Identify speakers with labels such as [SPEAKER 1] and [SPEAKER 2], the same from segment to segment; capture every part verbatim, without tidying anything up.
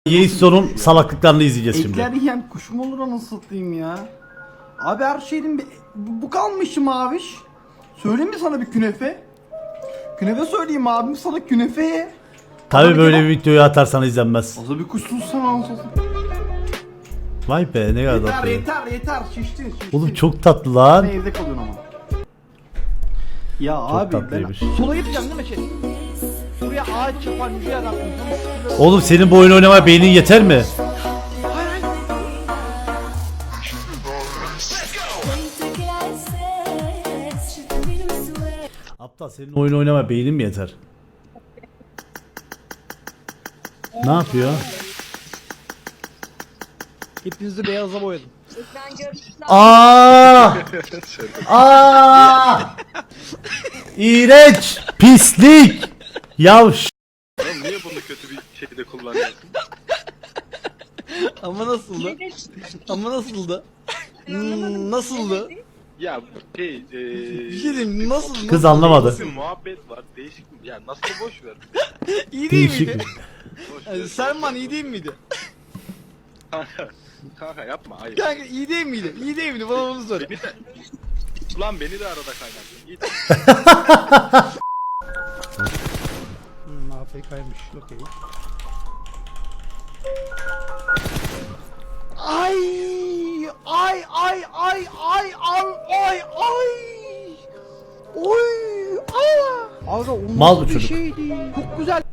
[SPEAKER 1] Yeison'un salaklıklarını izleyeceğiz şimdi.
[SPEAKER 2] Ekler yiyen kuş mu olur anasını satayım ya? Abi her şeyin bir... Bu kalmışım abiş. Söyleyeyim mi sana bir künefe? Künefe söyleyeyim abim sana künefe.
[SPEAKER 1] Tabi böyle bir videoyu atarsan izlenmez.
[SPEAKER 2] O zaman bir kuş sussan anasını satayım.
[SPEAKER 1] Vay be ne kadar
[SPEAKER 2] Yeter
[SPEAKER 1] tatlı.
[SPEAKER 2] yeter yeter şiştin şiştin.
[SPEAKER 1] Oğlum çok tatlı lan.
[SPEAKER 2] Ben evde kalıyorsun ama. Ya
[SPEAKER 1] Çok
[SPEAKER 2] abi ben...
[SPEAKER 1] tatlıymış.
[SPEAKER 2] Sola gideceğim değil mi şey? Buraya ağaç yapan yüce adam.
[SPEAKER 1] Oğlum senin bu oyunu oynamaya beynin yeter mi? Aptal senin oyunu oynamaya beynin mi yeter? Ne yapıyor?
[SPEAKER 2] Hepinizi beyaza boyadım.
[SPEAKER 1] Aa! Aa! İğrenç, pislik. Yavş.
[SPEAKER 3] Oğlum niye bunu kötü bir şekilde kullanıyorsun?
[SPEAKER 2] Ama nasıldı? Ama nasıldı? Hmm, nasıldı?
[SPEAKER 3] Ya şey eee...
[SPEAKER 2] Bir şey diyeyim nasıl?
[SPEAKER 1] Kız anlamadı.
[SPEAKER 3] Bir muhabbet var, değişik mi? Ya nasıl boş ver.
[SPEAKER 2] İyi değil
[SPEAKER 1] Değişik.
[SPEAKER 2] miydi?
[SPEAKER 3] Boş
[SPEAKER 2] Yani
[SPEAKER 3] ver.
[SPEAKER 2] Selman iyi değil miydi?
[SPEAKER 3] Kanka, kanka yapma hayır.
[SPEAKER 2] Kanka iyi değil miydi? İyi değil miydi? Bana bunu söyle.
[SPEAKER 3] Beni de... Ulan beni de arada kaynattın. Git.
[SPEAKER 2] Hmm, A F K'ymış. Okey. Ay ay ay ay ay ay ay ay. Oy! Aa! Aga o
[SPEAKER 1] Mal bu
[SPEAKER 2] nasıl bir
[SPEAKER 1] çocuk.
[SPEAKER 2] şeydi? Çok güzel.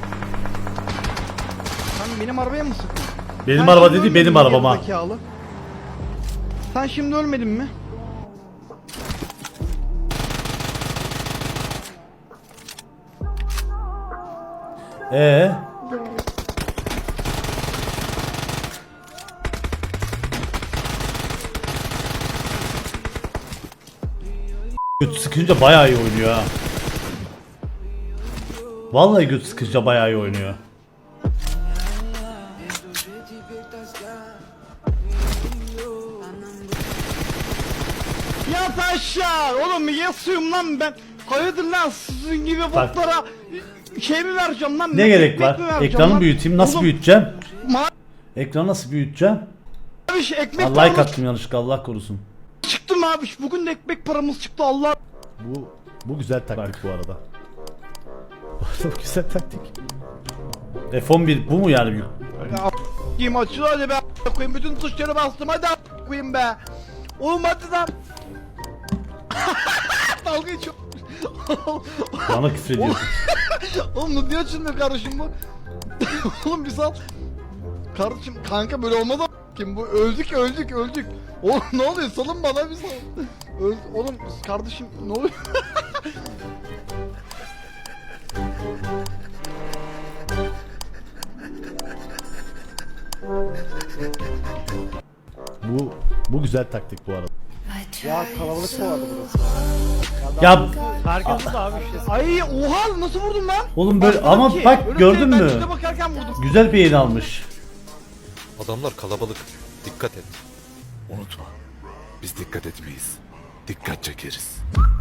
[SPEAKER 2] Sen benim arabaya mı sıktın?
[SPEAKER 1] Benim
[SPEAKER 2] Sen
[SPEAKER 1] araba
[SPEAKER 2] şimdi
[SPEAKER 1] dedi
[SPEAKER 2] ölmedin
[SPEAKER 1] benim
[SPEAKER 2] mi
[SPEAKER 1] arabam ha.
[SPEAKER 2] gerizekalı? Sen şimdi ölmedin mi?
[SPEAKER 1] Ee? Göt sıkınca bayağı iyi oynuyor ha. Vallahi göt sıkınca bayağı iyi oynuyor.
[SPEAKER 2] Yat aşağı! Oğlum yasıyorum lan ben. Hayırdır lan sizin gibi
[SPEAKER 1] Bak.
[SPEAKER 2] botlara şey mi vereceğim lan?
[SPEAKER 1] Ne gerek
[SPEAKER 2] ekmek
[SPEAKER 1] var?
[SPEAKER 2] mi vereceğim
[SPEAKER 1] Ekranı
[SPEAKER 2] lan?
[SPEAKER 1] büyüteyim. Nasıl
[SPEAKER 2] Oğlum,
[SPEAKER 1] büyüteceğim?
[SPEAKER 2] Mavi
[SPEAKER 1] Ekranı nasıl büyüteceğim?
[SPEAKER 2] ekmek
[SPEAKER 1] Allah like
[SPEAKER 2] paramız
[SPEAKER 1] attım yanlışlıkla, Allah korusun.
[SPEAKER 2] çıktı mı abi? Bugün de ekmek paramız çıktı Allah.
[SPEAKER 1] Bu bu güzel taktik bu arada. Bu güzel taktik. F on bir bu mu yani büyük?
[SPEAKER 2] Kim açıyor hadi be a** koyayım bütün tuşları bastım hadi a** koyayım be. Oğlum hadi lan. Dalga geçiyor.
[SPEAKER 1] Bana küfür ediyorsun.
[SPEAKER 2] Oğlum niye açılmıyor kardeşim bu? Oğlum bir sal. Kardeşim kanka böyle olmaz a** kim bu? Öldük öldük öldük. Oğlum ne oluyor? Salın bana bir sal. Öl oğlum kardeşim ne oluyor?
[SPEAKER 1] Bu bu güzel taktik bu arada.
[SPEAKER 2] Ya kalabalık mı vardı burası?
[SPEAKER 1] Ya
[SPEAKER 2] Herkes de abi işte. Ay oha nasıl vurdun lan?
[SPEAKER 1] oğlum böyle
[SPEAKER 2] Bakmadım
[SPEAKER 1] ama
[SPEAKER 2] ki.
[SPEAKER 1] bak
[SPEAKER 2] Öyle
[SPEAKER 1] gördün
[SPEAKER 2] ben
[SPEAKER 1] mü?
[SPEAKER 2] üstüne bakarken vurdum.
[SPEAKER 1] Güzel bir yayın almış.
[SPEAKER 4] Adamlar kalabalık. Dikkat et. Unutma. Biz dikkat etmeyiz. Dikkat çekeriz.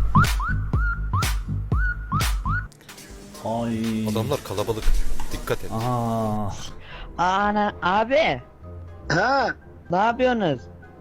[SPEAKER 1] Ay.
[SPEAKER 4] Adamlar kalabalık. Dikkat et.
[SPEAKER 1] Aa.
[SPEAKER 5] Ana abi.
[SPEAKER 6] Ha,
[SPEAKER 5] Ne yapıyorsunuz?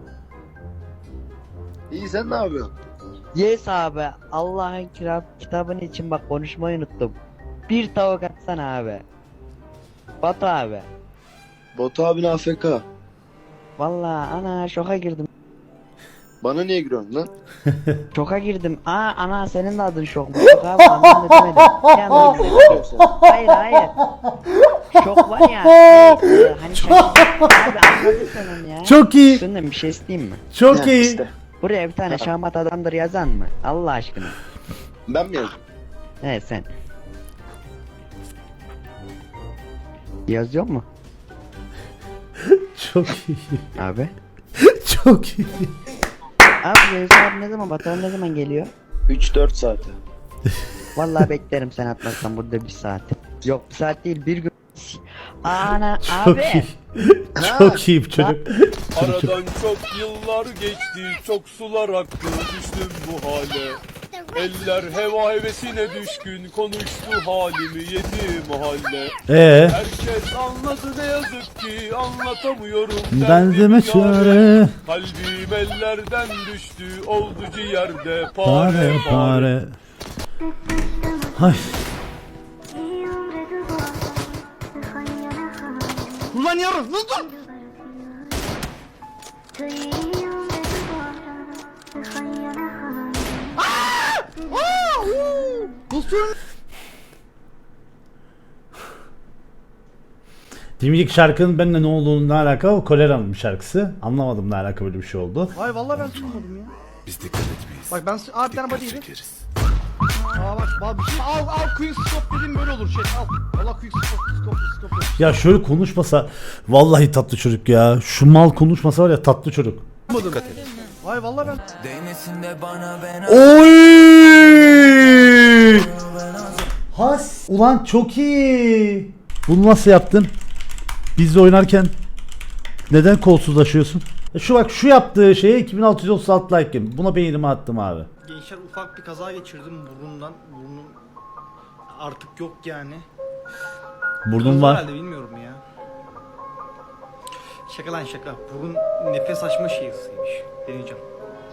[SPEAKER 6] iyi sen ne yapıyorsun?
[SPEAKER 5] Yes abi. Allah'ın kitap kitabın için bak konuşmayı unuttum. Bir tavuk atsana abi. Batu abi.
[SPEAKER 6] Batu abin A F K.
[SPEAKER 5] Vallahi ana şoka girdim.
[SPEAKER 6] Bana niye giriyorsun lan?
[SPEAKER 5] Şoka girdim. Aa ana senin de adın şok mu? Şok abi anlam demedim. Yani, hayır hayır. Şok var ya. Şey, e, hani şaşırdım. Abi anladın sen onu ya.
[SPEAKER 1] Çok iyi.
[SPEAKER 5] Şundan bir şey isteyeyim mi?
[SPEAKER 1] Çok
[SPEAKER 6] Ha,
[SPEAKER 1] iyi.
[SPEAKER 6] işte.
[SPEAKER 5] Buraya bir tane şahmat adamdır yazan mı? Allah aşkına.
[SPEAKER 6] Ben mi yazdım?
[SPEAKER 5] He sen. Yazıyor mu
[SPEAKER 1] Çok iyi.
[SPEAKER 5] abi?
[SPEAKER 1] Çok iyi.
[SPEAKER 5] Abi Remzi abi ne zaman Batuhan ne zaman geliyor?
[SPEAKER 6] üç dört saate.
[SPEAKER 5] Vallahi beklerim sen atmazsan burada bir saat. Yok bir saat değil bir gün. Ana
[SPEAKER 1] Çok
[SPEAKER 5] abi.
[SPEAKER 1] iyi. Çok iyi bu çocuk.
[SPEAKER 7] Aradan çok yıllar geçti, çok sular aktı, düştüm bu hale. Eller heva hevesine düşkün, konuştu halimi yedi mahalle.
[SPEAKER 1] Ee,
[SPEAKER 7] Herkes anladı ne yazık ki, anlatamıyorum
[SPEAKER 1] ben
[SPEAKER 7] derdimi
[SPEAKER 1] deme
[SPEAKER 7] yâre.
[SPEAKER 1] çare.
[SPEAKER 7] Kalbim ellerden düştü, oldu ciğerde
[SPEAKER 1] Pare
[SPEAKER 7] pare pare.
[SPEAKER 1] pare. Hay.
[SPEAKER 2] Ulan yarın nasıl? Nasıl?
[SPEAKER 1] Dimdik şarkının benimle ne olduğunu ne alaka? O Kolera'nın bir şarkısı. Anlamadım ne alaka böyle bir şey oldu.
[SPEAKER 2] Ay vallahi ben tutmadım ya.
[SPEAKER 4] Biz dikkat etmeyiz.
[SPEAKER 2] Bak ben abi bir tane
[SPEAKER 4] Dikkat
[SPEAKER 2] body yedim.
[SPEAKER 4] çekeriz.
[SPEAKER 2] Aa bak bak bir şey al al quick scope dedim böyle olur şey al. Allah quick scope scope scope.
[SPEAKER 1] Ya şöyle konuşmasa vallahi tatlı çocuk ya. Şu mal konuşmasa var ya tatlı çocuk.
[SPEAKER 4] Dikkat et.
[SPEAKER 2] Ay vallahi ben
[SPEAKER 1] Oy! Has. Ulan çok iyi. Bunu nasıl yaptın? Bizle oynarken neden kolsuzlaşıyorsun? E Şu bak şu yaptığı şeye iki bin altı yüz otuz altı like yedim. Buna beynimi attım abi.
[SPEAKER 8] Gençler ufak bir kaza geçirdim burnumdan. Burnum artık yok yani.
[SPEAKER 1] Burnum
[SPEAKER 8] Kırıldı
[SPEAKER 1] var.
[SPEAKER 8] herhalde bilmiyorum ya. Şaka lan şaka. Burun nefes açma şeyiymiş. Deneyeceğim.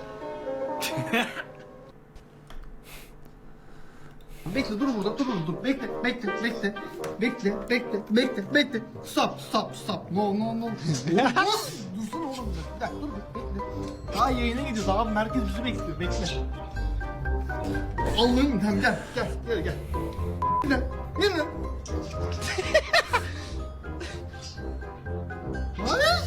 [SPEAKER 2] bekle dur burada dur burada dur bekle bekle bekle bekle bekle bekle bekle stop stop stop no no no dursana oğlum bir dakika dur bekle daha yayına gidiyoruz abi merkez bizi bekliyor bekle Allah'ım tamam gel gel gel gel gel gel hayır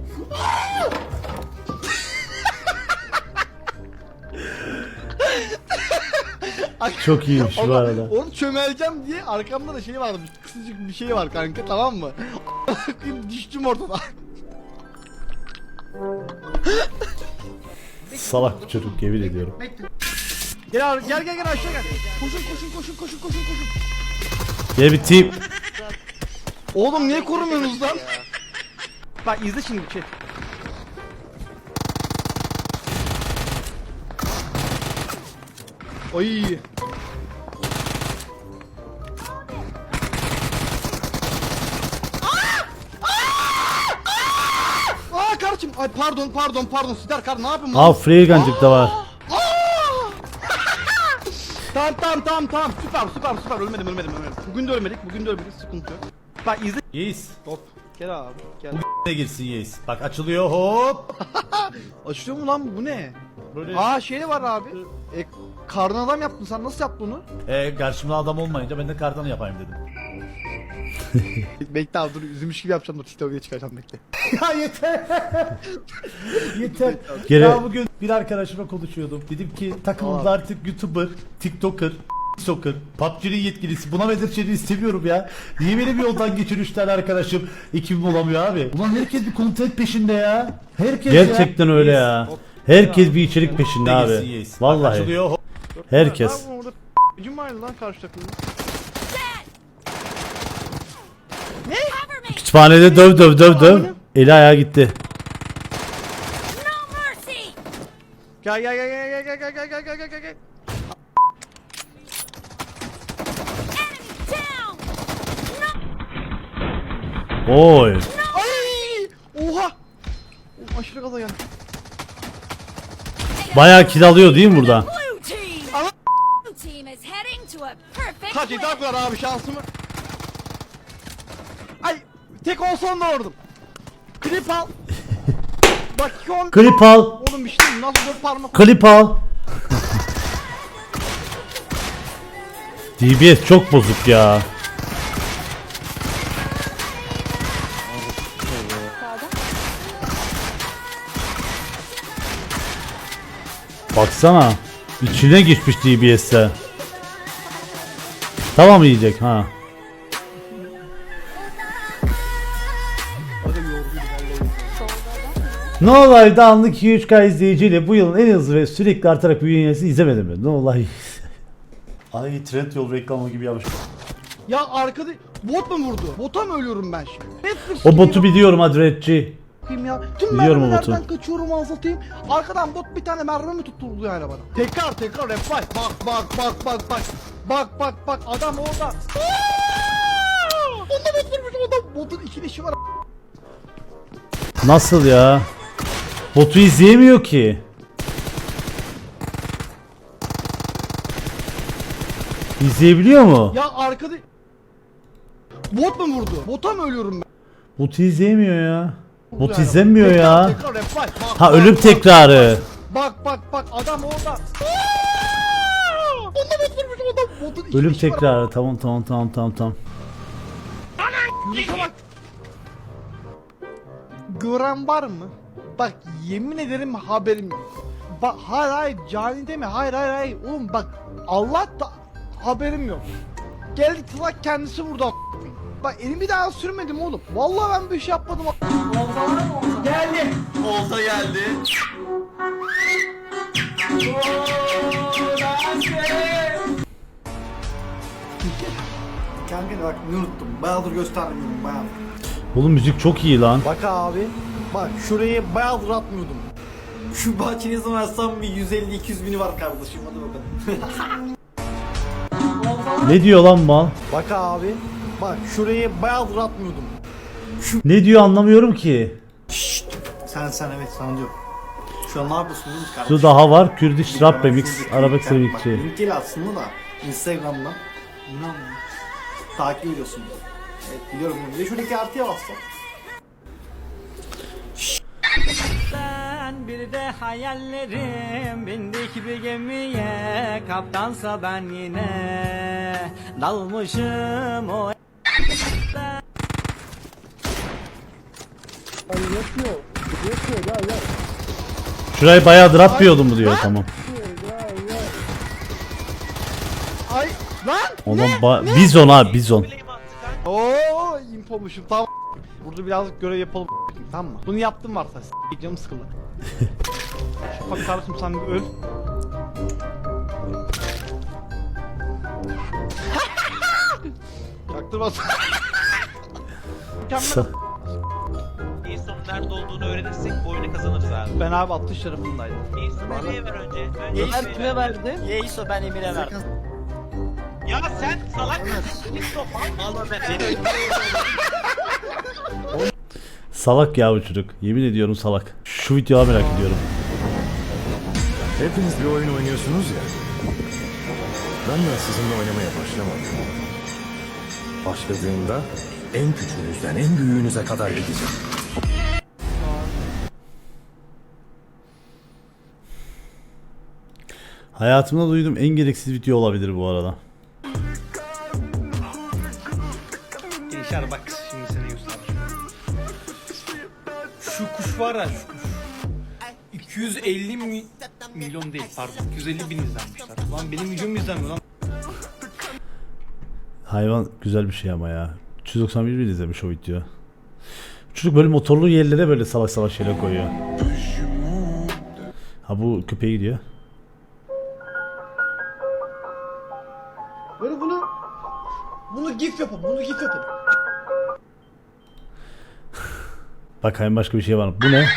[SPEAKER 1] Çok iyiymiş bu
[SPEAKER 2] Allah,
[SPEAKER 1] arada.
[SPEAKER 2] onu çömeleceğim diye arkamda da şey varmış. Kısacık bir şey var kanka tamam mı? Düştüm ortada.
[SPEAKER 1] Salak bir çocuk yemin ediyorum.
[SPEAKER 2] Bekle. Gel abi, gel gel gel aşağı gel. Koşun koşun koşun koşun koşun koşun.
[SPEAKER 1] Gel bir tip.
[SPEAKER 2] Oğlum niye korumuyorsunuz lan? Bak izle şimdi şey. Oy. Aa kardeşim ay pardon pardon pardon Sidar kar ne yapayım
[SPEAKER 1] Aa free gancık da var.
[SPEAKER 2] Tamam tamam tamam tamam süper süper süper ölmedim ölmedim ölmedim. Bugün de ölmedik bugün de ölmedik sıkıntı yok. Bak izle.
[SPEAKER 1] Yeis.
[SPEAKER 2] Hop gel abi gel.
[SPEAKER 1] Ne girsin Yeis. Bak açılıyor hop.
[SPEAKER 2] Açılıyor mu lan bu ne?
[SPEAKER 1] Böyle
[SPEAKER 2] Aa şey var abi. E, karnı adam yaptın sen nasıl yaptın onu?
[SPEAKER 1] e, karşımda adam olmayınca ben de kardan yapayım dedim.
[SPEAKER 2] Bekle abi dur üzülmüş gibi yapacağım dur TikTok'a çıkaracağım bekle.
[SPEAKER 1] Ya yeter. yeter.
[SPEAKER 2] Gene-
[SPEAKER 1] Ya bugün bir arkadaşımla konuşuyordum. Dedim ki takımımda artık YouTuber, TikToker, TikToker, P U B G'nin yetkilisi. Buna Bedirçen'i istemiyorum ya. Niye beni bir yoldan geçir üç tane arkadaşım? Ekibim olamıyor abi. Ulan herkes bir content peşinde ya. Herkes Gerçekten öyle ya. Herkes bir içerik peşinde abi. Vallahi. Herkes.
[SPEAKER 2] Lan orada gücüm vardı lan karşı takımda.
[SPEAKER 1] Kütüphanede döv döv döv döv. Eli ayağa gitti.
[SPEAKER 2] Gel gel gel gel gel gel gel gel gel gel gel gel.
[SPEAKER 1] Oy.
[SPEAKER 2] Ay! Oha! Oh, aşırı gaza geldi.
[SPEAKER 1] Bayağı kill alıyor değil mi burada?
[SPEAKER 2] Kaç iddia kadar abi şansımı. Ay tek olsan da vurdum. Klip al. Bak iki on.
[SPEAKER 1] Klip al.
[SPEAKER 2] Oğlum bir şey diyeyim, nasıl dört parmak.
[SPEAKER 1] Klip al. D B S çok bozuk ya. Baksana. İçine geçmiş D B S'e. Tamam yiyecek ha. No Life'da anlık iki üç K izleyiciyle bu yılın en hızlı ve sürekli artarak büyüyen yayıncısı izlemedim mi? No Life. Ay Trendyol reklamı gibi yapmış.
[SPEAKER 2] Ya arkada bot mu vurdu? Bota mı ölüyorum ben şimdi? Netflix
[SPEAKER 1] O botu
[SPEAKER 2] gibi-
[SPEAKER 1] biliyorum Adretçi.
[SPEAKER 2] a**ayım ya. Tüm
[SPEAKER 1] Biliyorum o
[SPEAKER 2] mermilerden
[SPEAKER 1] botu.
[SPEAKER 2] kaçıyorum anlatayım. Arkadan bot bir tane mermi mi tutturdu yani bana. Tekrar tekrar reply. Bak bak bak bak bak. Bak bak bak adam orada. Aa! Onda bot vurmuş onda. Botun iki dişi var.
[SPEAKER 1] Nasıl ya? Botu izleyemiyor ki. İzleyebiliyor mu?
[SPEAKER 2] Ya arkada... Bot mu vurdu? Bota mı ölüyorum ben?
[SPEAKER 1] Botu izleyemiyor ya. Bot
[SPEAKER 2] Yani.
[SPEAKER 1] izlemiyor
[SPEAKER 2] Tekrar,
[SPEAKER 1] ya.
[SPEAKER 2] Tekrar reply. Bak,
[SPEAKER 1] Ha
[SPEAKER 2] bak,
[SPEAKER 1] ölüm
[SPEAKER 2] bak,
[SPEAKER 1] tekrarı.
[SPEAKER 2] Bak bak bak adam orada. Aa! Onda bot vurmuş onda. Botun iki
[SPEAKER 1] Ölüm
[SPEAKER 2] dişi var.
[SPEAKER 1] tekrarı. Tamam tamam tamam tamam tamam.
[SPEAKER 2] Yunus'a bak. Gören var mı? Bak yemin ederim haberim yok. Bak hayır hayır cani deme hayır hayır hayır oğlum bak Allah da haberim yok. Geldi tılak kendisi vurdu a- Bak elimi daha sürmedim oğlum. Vallahi ben bir şey yapmadım. a- Geldi.
[SPEAKER 8] Olta geldi. Kanka bak ne unuttum. Bayağıdır göstermiyorum bayağıdır.
[SPEAKER 1] Oğlum müzik çok iyi lan.
[SPEAKER 8] Bak abi. Bak şurayı bayağıdır atmıyordum. Şu bahçeyi yazamazsam bir yüz elli iki yüz bini var kardeşim hadi bakalım.
[SPEAKER 1] Ne diyor lan mal?
[SPEAKER 8] Bak abi. Bak şurayı bayağıdır atmıyordum.
[SPEAKER 1] Ne diyor anlamıyorum ki.
[SPEAKER 8] Sen sen evet sana diyorum. Şu an ne yapıyorsun değil mi kardeşim?
[SPEAKER 1] Şu daha var. Kürdiş rap remix.
[SPEAKER 8] Şuradaki
[SPEAKER 1] Arabesk
[SPEAKER 8] link-
[SPEAKER 1] remixi.
[SPEAKER 8] Bak, link gel aslında da Instagram'dan. İnan. Takip ediyorsun. Evet biliyorum. Bir de şuradaki artıya bassam.
[SPEAKER 9] Ben bir de hayallerim bindik bir gemiye kaptansa ben yine dalmışım o
[SPEAKER 1] Şurayı bayağı atmıyordum mu diyor tamam.
[SPEAKER 2] Ay lan.
[SPEAKER 1] Oğlum ba- bizon abi bizon.
[SPEAKER 2] Oo infomuşum tamam. Burada birazcık görev yapalım tamam mı? Bunu yaptım varsa s*** canım sıkıldı. Bak kardeşim sen bir öl. Çaktırmasın. Mükemmel.
[SPEAKER 9] Jason nerede olduğunu öğrenirsek bu oyunu kazanırız abi.
[SPEAKER 2] Ben abi atış tarafındaydım.
[SPEAKER 9] Jason'u nereye ver önce? Önce
[SPEAKER 5] Ben kime verdim?
[SPEAKER 9] Jason ben Emir'e verdim. Ya sen salak mısın? Allah ben seni
[SPEAKER 1] Salak ya bu çocuk. Yemin ediyorum salak. Şu videoyu merak ediyorum.
[SPEAKER 4] Hepiniz bir oyun oynuyorsunuz ya. Ben de sizinle oynamaya başlamadım. Başladığımda en küçüğünüzden en büyüğünüze kadar gideceğim.
[SPEAKER 1] Hayatımda duyduğum en gereksiz video olabilir bu arada.
[SPEAKER 8] Gençler bak şimdi seni göstereceğim. Şu kuş var ya şu kuş. iki yüz elli mi milyon değil pardon iki yüz elli bin izlenmişler. Lan benim videom izlenmiyor lan.
[SPEAKER 1] Hayvan güzel bir şey ama ya. üç yüz doksan bir bin izlemiş o video. Çocuk böyle motorlu yerlere böyle salak salak şeyler koyuyor. Ha bu köpeğe gidiyor.
[SPEAKER 2] Böyle bunu bunu gif yapın, bunu gif yapın.
[SPEAKER 1] Bakayım başka bir şey var mı? Bu ne?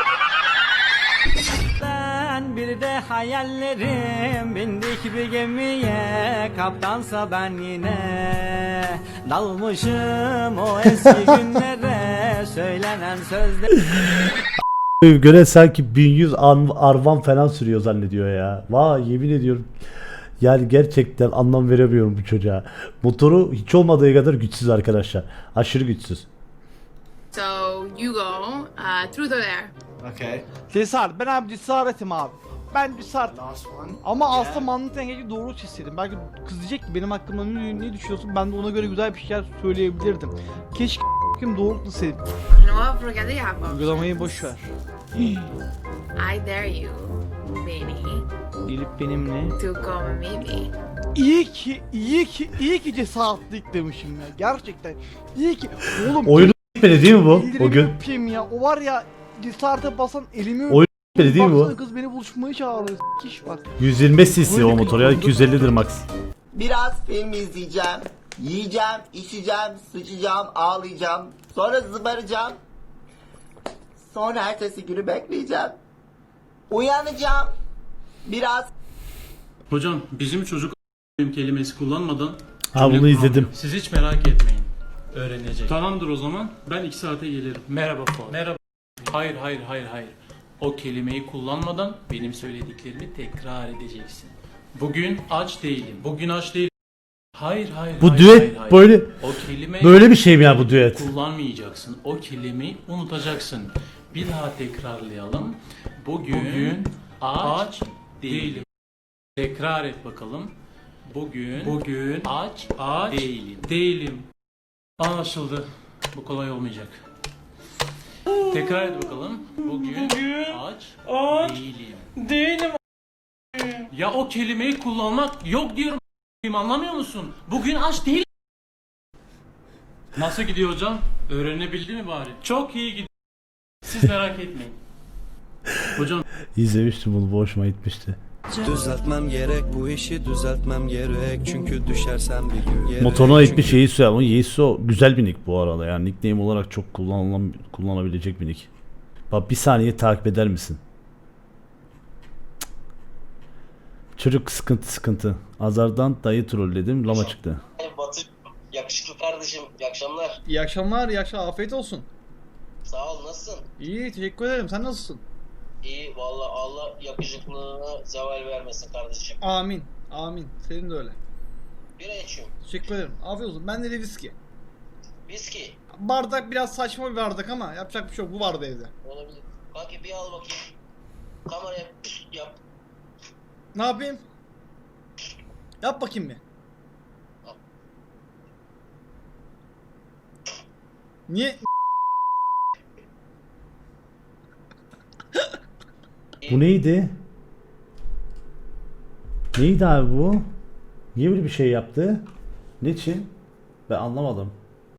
[SPEAKER 9] Ben bir de hayallerim bindik bir gemiye kaptansa ben yine dalmışım o eski günlere söylenen sözler.
[SPEAKER 1] Göre sanki bin yüz an- arvan falan sürüyor zannediyor ya. Vay yemin ediyorum. Yani gerçekten anlam veremiyorum bu çocuğa. Motoru hiç olmadığı kadar güçsüz arkadaşlar. Aşırı güçsüz.
[SPEAKER 10] So you go uh, through there.
[SPEAKER 8] Okay.
[SPEAKER 2] Cesaret, ben abi cesaretim abi. Ben cesaret.
[SPEAKER 8] Last one.
[SPEAKER 2] Ama aslında mantık dengeci doğru çizseydim. Belki kız diyecek ki benim hakkımda ne, ne düşünüyorsun? Ben de ona göre güzel bir şeyler söyleyebilirdim. Keşke kim doğru çizseydim.
[SPEAKER 10] No, forget the apple.
[SPEAKER 2] Uygulamayı boş ver.
[SPEAKER 10] I dare you, Benny,
[SPEAKER 2] Gelip benimle.
[SPEAKER 10] to come and meet me.
[SPEAKER 2] İyi ki, iyi ki, iyi ki cesaretlik demişim ya. Gerçekten. İyi ki. Oğlum.
[SPEAKER 1] Oyunu bitmedi değil mi bu?
[SPEAKER 2] ellerimi
[SPEAKER 1] O gün.
[SPEAKER 2] öpeyim ya. O var ya cesarete basan elimi
[SPEAKER 1] Oyun bitmedi değil mi
[SPEAKER 2] Baksana
[SPEAKER 1] bu?
[SPEAKER 2] kız beni buluşmaya çağırıyor. Kiş bak.
[SPEAKER 1] yüz yirmi beş cc o motor ya. iki yüz ellidir max.
[SPEAKER 11] Biraz film izleyeceğim. Yiyeceğim, içeceğim, sıçacağım, ağlayacağım. Sonra zıbaracağım. Sonra ertesi günü bekleyeceğim. Uyanacağım. Biraz
[SPEAKER 9] Hocam bizim çocuk kelimesi kullanmadan
[SPEAKER 1] Ha bunu izledim.
[SPEAKER 9] siz hiç merak etmeyin. Öğrenecek. Tamamdır o zaman. Ben iki saate gelirim. Merhaba Fuat. Merhaba. Hayır hayır hayır hayır. O kelimeyi kullanmadan benim söylediklerimi tekrar edeceksin. Bugün aç değilim. Bugün aç değilim. Hayır hayır
[SPEAKER 1] Bu
[SPEAKER 9] hayır,
[SPEAKER 1] düet
[SPEAKER 9] hayır, hayır.
[SPEAKER 1] böyle
[SPEAKER 9] O kelime
[SPEAKER 1] böyle bir şey mi ya bu düet?
[SPEAKER 9] kullanmayacaksın. O kelimeyi unutacaksın. Bir daha tekrarlayalım. Bugün, Bugün aç değilim. Tekrar et bakalım. Bugün Bugün aç aç değilim. Değilim. Anlaşıldı. Bu kolay olmayacak. Tekrar et bakalım. Bugün, Bugün aç, aç değilim. Değilim. Ya o kelimeyi kullanmak yok diyorum. Anlamıyor musun? Bugün aç değilim. Nasıl gidiyor hocam? Öğrenebildi mi bari? Çok iyi gidiyor. Siz merak etmeyin. Hocam
[SPEAKER 1] İzlemiştim bunu, bu hoşuma gitmişti.
[SPEAKER 7] Düzeltmem gerek bu işi düzeltmem gerek çünkü düşersem bir gün yere.
[SPEAKER 1] Motoruna ait bir Yeisu ama Yeisu güzel bir nick bu arada, yani nickname olarak çok kullanılan, kullanabilecek bir nick. Bak bir saniye takip eder misin? Cık. Çocuk sıkıntı sıkıntı. Azardan dayı trolledim, lama çıktı.
[SPEAKER 6] Batı yakışıklı kardeşim. İyi akşamlar.
[SPEAKER 2] İyi akşamlar, iyi akşamlar. Afiyet olsun.
[SPEAKER 6] Sağ ol. Nasılsın?
[SPEAKER 2] İyi, teşekkür ederim. Sen nasılsın?
[SPEAKER 6] İyi. Vallahi Allah yakışıklılığına zeval vermesin kardeşim.
[SPEAKER 2] Amin. Amin. Senin de öyle.
[SPEAKER 6] Bira içiyorum.
[SPEAKER 2] Teşekkür ederim. Afiyet olsun. Ben de viski.
[SPEAKER 6] Viski.
[SPEAKER 2] Bardak biraz saçma bir bardak ama yapacak bir şey yok. Bu vardı evde.
[SPEAKER 6] Olabilir. Kanki bir al bakayım. Kameraya yap.
[SPEAKER 2] Ne yapayım? Yap bakayım bir.
[SPEAKER 6] Al.
[SPEAKER 2] Niye?
[SPEAKER 1] Bu neydi? Neydi abi bu? Niye böyle bir şey yaptı? Niçin? Ben anlamadım.